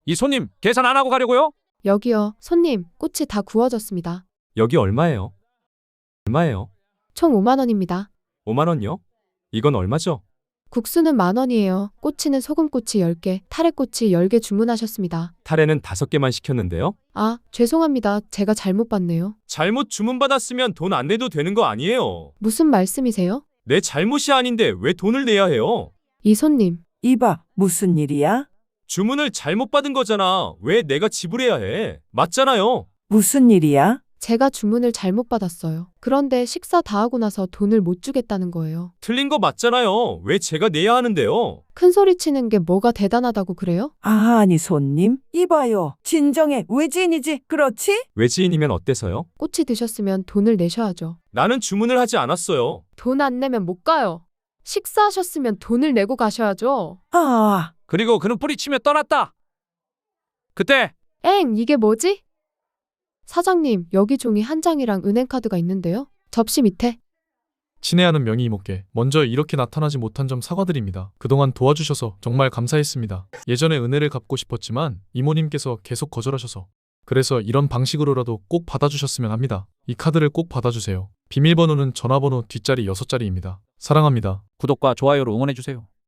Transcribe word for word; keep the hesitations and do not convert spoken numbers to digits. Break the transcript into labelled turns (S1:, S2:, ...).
S1: 이 손님, 계산 안 하고 가려고요?
S2: 여기요. 손님, 꽃이 다 구워졌습니다.
S3: 여기 얼마예요? 얼마예요?
S2: 총 오만 원입니다.
S3: 오만 원요? 이건 얼마죠?
S2: 국수는 만 원이에요. 꼬치는 소금꼬치 열 개, 타래꼬치 열 개 주문하셨습니다.
S3: 타레는 다섯 개만 시켰는데요.
S2: 아, 죄송합니다. 제가 잘못 봤네요.
S3: 잘못 주문받았으면 돈 안 내도 되는 거 아니에요.
S2: 무슨 말씀이세요?
S3: 내 잘못이 아닌데 왜 돈을 내야 해요?
S2: 이 손님,
S4: 이봐, 무슨 일이야?
S3: 주문을 잘못 받은 거잖아. 왜 내가 지불해야 해? 맞잖아요.
S4: 무슨 일이야?
S2: 제가 주문을 잘못 받았어요. 그런데 식사 다 하고 나서 돈을 못 주겠다는 거예요.
S3: 틀린 거 맞잖아요. 왜 제가 내야 하는데요?
S2: 큰 소리 치는 게 뭐가 대단하다고 그래요?
S4: 아, 아니 손님. 이봐요. 진정해. 외지인이지. 그렇지?
S3: 외지인이면 어때서요?
S2: 꼬치 드셨으면 돈을 내셔야죠.
S3: 나는 주문을 하지 않았어요.
S2: 돈 안 내면 못 가요. 식사하셨으면 돈을 내고 가셔야죠.
S4: 아,
S1: 그리고 그는 뿌리치며 떠났다. 그때
S2: 엥, 이게 뭐지? 사장님, 여기 종이 한 장이랑 은행카드가 있는데요. 접시 밑에.
S5: 친애하는 명의 이모께 먼저 이렇게 나타나지 못한 점 사과드립니다. 그동안 도와주셔서 정말 감사했습니다. 예전에 은혜를 갚고 싶었지만 이모님께서 계속 거절하셔서 그래서 이런 방식으로라도 꼭 받아주셨으면 합니다. 이 카드를 꼭 받아주세요. 비밀번호는 전화번호 뒷자리 여섯 자리입니다. 사랑합니다.
S1: 구독과 좋아요로 응원해주세요.